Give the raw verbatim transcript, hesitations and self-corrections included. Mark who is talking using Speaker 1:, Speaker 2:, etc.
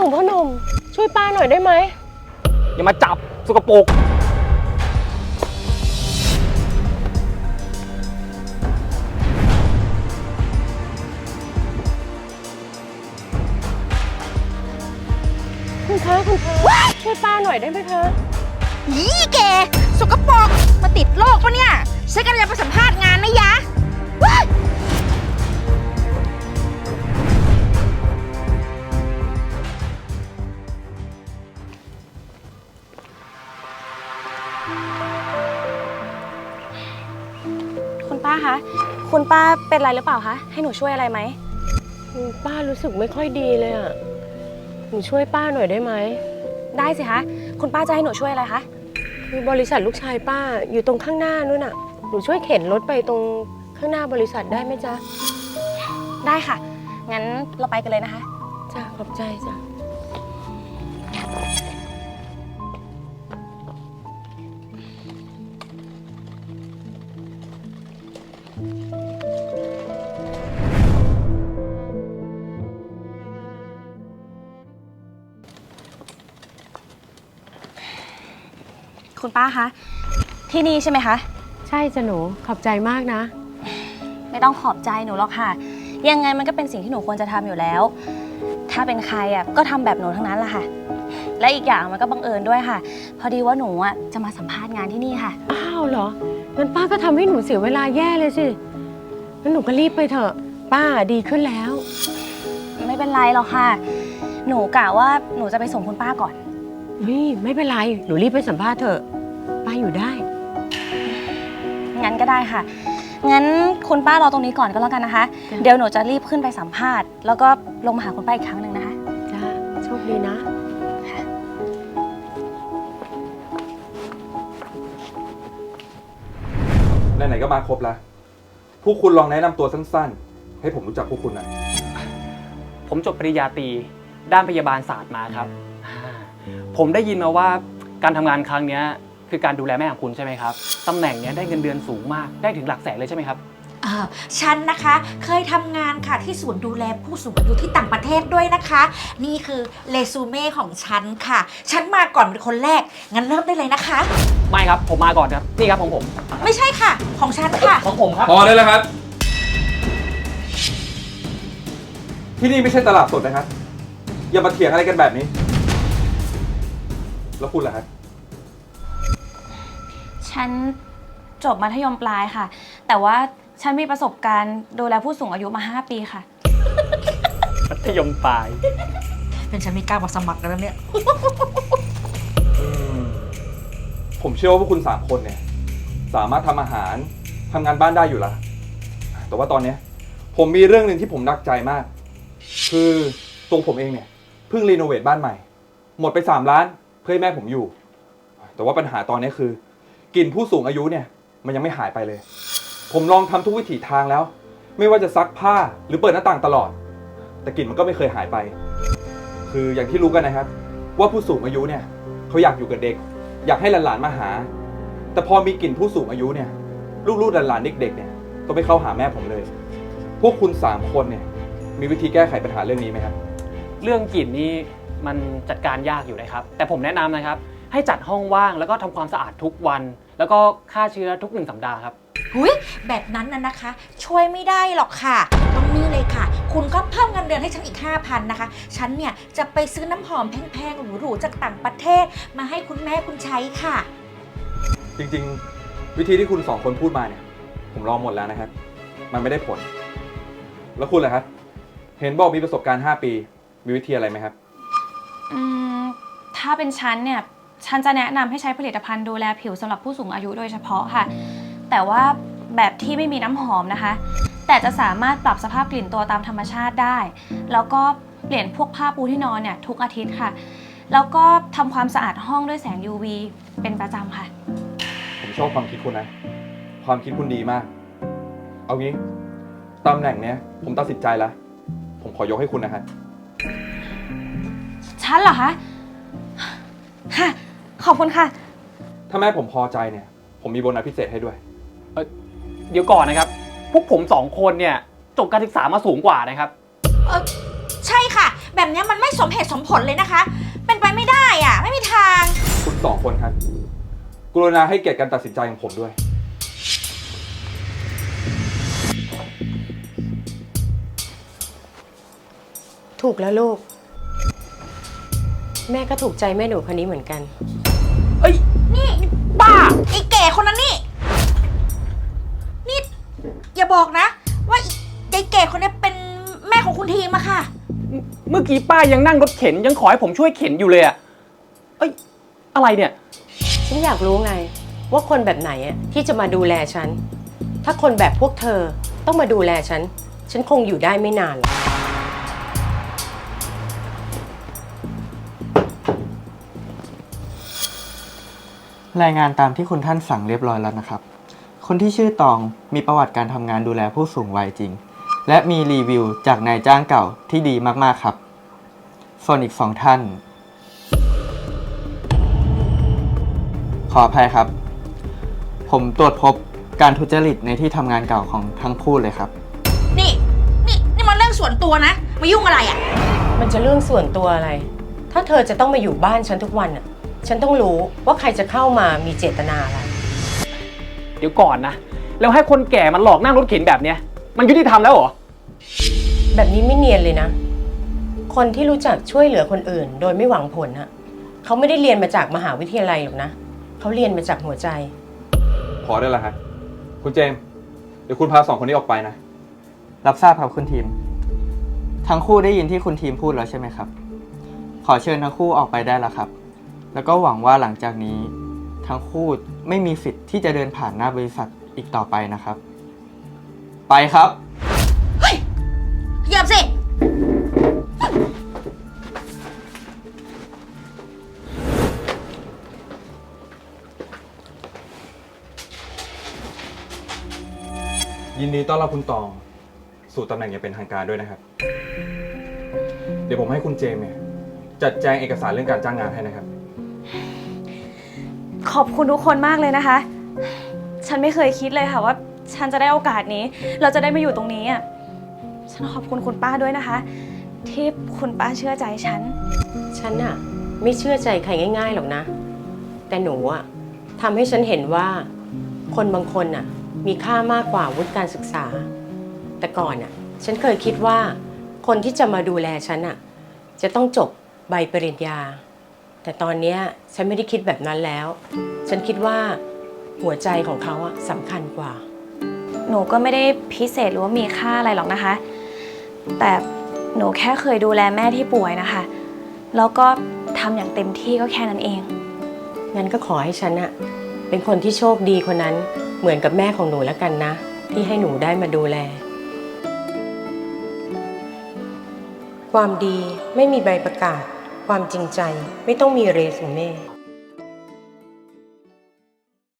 Speaker 1: งพ่อหนุ่มช่วยป้าหน่อยได้ไหม
Speaker 2: อย่ามาจับสกปรก
Speaker 1: คุณคะคุณคะช่วยป้าหน่อยได้ไหมคะ
Speaker 3: ยี่แกสกปรกมาติดโรคปะเนี่ยฉันกำลังจะไปสัมภาษณ์งานนะยะว้าย
Speaker 4: คุณป้าคะคุณป้าเป็นไรหรือเปล่าคะให้หนูช่วยอะไรไหม
Speaker 1: ป้ารู้สึกไม่ค่อยดีเลยอ่ะหนูช่วยป้าหน่อยได้ไหม
Speaker 4: ได้สิคะคุณป้าจะให้หนูช่วยอะไรคะ
Speaker 1: คือบริษัทลูกชายป้าอยู่ตรงข้างหน้านู่นน่ะหนูช่วยเข็นรถไปตรงข้างหน้าบริษัทได้ไหมจ๊ะ
Speaker 4: ได้ค่ะงั้นเราไปกันเลยนะคะ
Speaker 1: จ้ะขอบใจจ้ะ
Speaker 4: คุณป้าคะที่นี่ใช่ไหมคะ
Speaker 1: ใช่จ้ะหนูขอบใจมากนะ
Speaker 4: ไม่ต้องขอบใจหนูหรอกค่ะยังไงมันก็เป็นสิ่งที่หนูควรจะทำอยู่แล้วถ้าเป็นใครอ่ะก็ทำแบบหนูทั้งนั้นแหละค่ะและอีกอย่างมันก็บังเอิญด้วยค่ะพอดีว่าหนูอ่ะจะมาสัมภาษณ์งานที่นี่ค่ะ
Speaker 1: อ้าวเหรองั้นป้าก็ทำให้หนูเสียเวลาแย่เลยสิงั้นหนูก็รีบไปเถอะป้าดีขึ้นแล้ว
Speaker 4: ไม่เป็นไรหรอกค่ะหนูกะว่าหนูจะไปส่งคุณป้าก่อน
Speaker 1: นี่ไม่เป็นไรหนูรีบไปสัมภาษณ์เถอะป้าอยู่ได้
Speaker 4: งั้นก็ได้ค่ะงั้นคุณป้ารอตรงนี้ก่อนก็แล้วกันนะคะเดี๋ยวหนูจะรีบขึ้นไปสัมภาษณ์แล้วก็ลงมาหาคุณป้าอีกครั้งหนึ่งนะคะ
Speaker 1: จ้าโชคดีนะ
Speaker 5: ไหนๆก็มาครบแล้วพวกคุณลองแนะนำตัวสั้นๆให้ผมรู้จักพวกคุณหน่อย
Speaker 2: ผมจบปริญญาตรีด้านพยาบาลศาสตร์มาครับผมได้ยินมาว่าการทำงานครั้งนี้คือการดูแลแม่ของคุณใช่ไหมครับตำแหน่งนี้ได้เงินเดือนสูงมากได้ถึงหลักแสนเลยใช่ไหมครับ
Speaker 3: ฉันนะคะเคยทำงานค่ะที่ศูนย์ดูแลผู้สูงอายุที่ต่างประเทศด้วยนะคะนี่คือเรซูเม่ของฉันค่ะฉันมาก่อนเป็นคนแรกงั้นเริ่มได้เลยนะคะ
Speaker 2: ไม่ครับผมมาก่อนครับนี่ครับของผม
Speaker 3: ไม่ใช่ค่ะของฉันค่ะ
Speaker 2: ของผมครับ
Speaker 5: พอได้แล้วครับที่นี่ไม่ใช่ตลาดสดนะครับอย่ามาเถียงอะไรกันแบบนี้แล้วคุณล่ะครับ
Speaker 4: ฉันจบมัธยมปลายค่ะแต่ว่าฉันมีประสบการณ์ดูแลผู้สูงอายุมาห้าปีค่ะ
Speaker 2: มัธยมปลาย
Speaker 3: เป็นฉันไม่กล้ามาสมัครแล้วเนี่ย
Speaker 5: ผมเชื่อว่าพวกคุณสามคนเนี่ยสามารถทำอาหารทำงานบ้านได้อยู่แล้วแต่ว่าตอนนี้ผมมีเรื่องหนึ่งที่ผมหนักใจมากคือตัวผมเองเนี่ยเพิ่งรีโนเวทบ้านใหม่หมดไปสามล้านเพื่อให้แม่ผมอยู่แต่ว่าปัญหาตอนนี้คือกลิ่นผู้สูงอายุเนี่ยมันยังไม่หายไปเลยผมลองทำทุกวิถีทางแล้วไม่ว่าจะซักผ้าหรือเปิดหน้าต่างตลอดแต่กลิ่นมันก็ไม่เคยหายไปคืออย่างที่รู้กันนะครับว่าผู้สูงอายุเนี่ยเขาอยากอยู่กับเด็กอยากให้หลานๆมาหาแต่พอมีกลิ่นผู้สูงอายุเนี่ยลูกๆหลานๆเด็กๆเนี่ยก็ไม่เข้าหาแม่ผมเลยพวกคุณสามคนเนี่ยมีวิธีแก้ไขปัญหาเรื่องนี้ไหมครับ
Speaker 2: เรื่องกลิ่นนี่มันจัดการยากอยู่นะครับแต่ผมแนะนำนะครับให้จัดห้องว่างแล้วก็ทำความสะอาดทุกวันแล้วก็ฆ่าเชื้อทุกหนึ่งสัปดาห์ครับ
Speaker 3: หุยแบบนั้นน่ะนะคะช่วยไม่ได้หรอกค่ะต้องนี่เลยค่ะคุณก็เพิ่มเงินเดือนให้ฉันอีก ห้าพัน นะคะฉันเนี่ยจะไปซื้อน้ำหอมแพงๆหรูๆจากต่างประเทศมาให้คุณแม่คุณใช้ค่ะ
Speaker 5: จริงๆวิธีที่คุณสองคนพูดมาเนี่ยผมลองหมดแล้วนะครับมันไม่ได้ผลแล้วคุณล่ะครับเห็นบอกมีประสบการณ์ห้าปีมีวิธีอะไรไหมครับ
Speaker 4: อืมถ้าเป็นฉันเนี่ยฉันจะแนะนำให้ใช้ผลิตภัณฑ์ดูแลผิวสำหรับผู้สูงอายุโดยเฉพาะค่ะแต่ว่าแบบที่ไม่มีน้ำหอมนะคะแต่จะสามารถปรับสภาพกลิ่นตัวตามธรรมชาติได้แล้วก็เปลี่ยนพวกผ้าปูที่นอนเนี่ยทุกอาทิตย์ค่ะแล้วก็ทำความสะอาดห้องด้วยแสง ยู วี เป็นประจำค่ะ
Speaker 5: ผมชอบความคิดคุณนะความคิดคุณดีมากเอางี้ตำแหน่งเนี้ยผมตัดสินใจแล้วผมขอยกให้คุณนะครับ
Speaker 4: ฉันเหรอคะค่ะขอบคุณค่ะ
Speaker 5: ถ้าแม่ผมพอใจเนี่ยผมมีโบนัสพิเศษให้ด้วย
Speaker 2: เออเดี๋ยวก่อนนะครับพวกผมสองคนเนี่ยจบการศึกษามาสูงกว่านะครับ
Speaker 3: เออใช่ค่ะแบบนี้มันไม่สมเหตุสมผลเลยนะคะ เป็นไปไม่ได้อะไม่มีทาง
Speaker 5: คุณสองคนครับ กรุณาให้เกียรติการตัดสินใจของผมด้วย
Speaker 1: ถูกแล้วลูก แม่ก็ถูกใจแม่หนูคนนี้เหมือนกัน
Speaker 2: เอ้ย
Speaker 3: นี่บ้าไอ้แก่คนนั้นนี่ นี่อย่าบอกนะ ว่าไอ้แก่คนนี้เป็นแม่ของคุณทีมอะค่ะ
Speaker 2: เมื่อกี้ป้ายังนั่งรถเข็นยังขอให้ผมช่วยเข็นอยู่เลยอะเอ้ย อะไรเนี่ย
Speaker 1: ฉันอยากรู้ไงว่าคนแบบไหนอะที่จะมาดูแลฉัน ถ้าคนแบบพวกเธอต้องมาดูแลฉัน ฉันคงอยู่ได้ไม่นานหรอก
Speaker 6: รายงานตามที่คุณท่านสั่งเรียบร้อยแล้วนะครับ คนที่ชื่อตองมีประวัติการทำงานดูแลผู้สูงวัยจริง และมีรีวิวจากนายจ้างเก่าที่ดีมากๆครับ ส่วนอีกสองท่าน ขออภัยครับ ผมตรวจพบการทุจริตในที่ทำงานเก่าของทั้งคู่เลยครับ
Speaker 3: นี่ นี่นี่มันเรื่องส่วนตัวนะ มายุ่งอะไรอะ
Speaker 1: มันจะเรื่องส่วนตัวอะไร ถ้าเธอจะต้องมาอยู่บ้านฉันทุกวันอะฉันต้องรู้ว่าใครจะเข้ามามีเจตนาอะไร
Speaker 2: เดี๋ยวก่อนนะ แล้วให้คนแก่มันหลอกนั่งรถเข็นแบบเนี้ย มันยุติธรรมแล้วเหรอ
Speaker 1: แบบนี้ไม่เนียนเลยนะ คนที่รู้จักช่วยเหลือคนอื่น โดยไม่หวังผลอะเขาไม่ได้เรียนมาจากมหาวิทยาลัยหรอกนะ เขาเรียนมาจากหัวใจ
Speaker 5: พอได้แล้วฮะคุณเจมส์เดี๋ยวคุณพาสองคนนี้ออกไปนะ
Speaker 6: รับทราบครับคุณทีม ทั้งคู่ได้ยินที่คุณทีมพูดแล้วใช่ไหมครับ ขอเชิญทั้งคู่ออกไปได้แล้วครับ แล้วก็หวังว่าหลังจากนี้ทั้งคู่ไม่มีสิทธิ์ที่จะเดินผ่านหน้าบริษัทอีกต่อไปนะครับ ไปครับ
Speaker 3: เฮ้ยเหยียบสิ
Speaker 5: ยินดีต้อนรับคุณตอง สู่ตำแหน่งอย่างเป็นทางการด้วยนะครับ เดี๋ยวผมให้คุณเจมส์เนี่ยจัดแจงเอกสารเรื่องการจ้างงานให้นะครับ
Speaker 4: ขอบคุณทุกคนมากเลยนะคะ ฉันไม่เคยคิดเลยค่ะว่า ฉันจะได้โอกาสนี้ เราจะได้มาอยู่ตรงนี้อ่ะ ฉันขอบคุณคุณป้าด้วยนะคะ ที่คุณป้าเชื่อใจฉัน
Speaker 1: ฉันอะไม่เชื่อใจใครง่ายๆหรอกนะ แต่หนูอะทำให้ฉันเห็นว่าคนบางคนอะมีค่ามากกว่าวุฒิการศึกษา แต่ก่อนอะฉันเคยคิดว่าคนที่จะมาดูแลฉันอะจะต้องจบใบปริญญา แต่ตอนเนี้ยฉันไม่ได้คิดแบบนั้นแล้ว ฉันคิดว่าหัวใจของเขาอะสำคัญกว่า
Speaker 4: หนูก็ไม่ได้พิเศษหรือว่ามีค่าอะไรหรอกนะคะ แต่หนูแค่เคยดูแลแม่ที่ป่วยนะคะ แล้วก็ทำอย่างเต็มที่ก็แค่นั้นเอง
Speaker 1: งั้นก็ขอให้ฉันอะเป็นคนที่โชคดีคนนั้นเหมือนกับแม่ของหนูแล้วกันนะ ที่ให้หนูได้มาดูแล ความดีไม่มีใบประกาศ ความจริงใจไม่ต้องมีเรซูเม่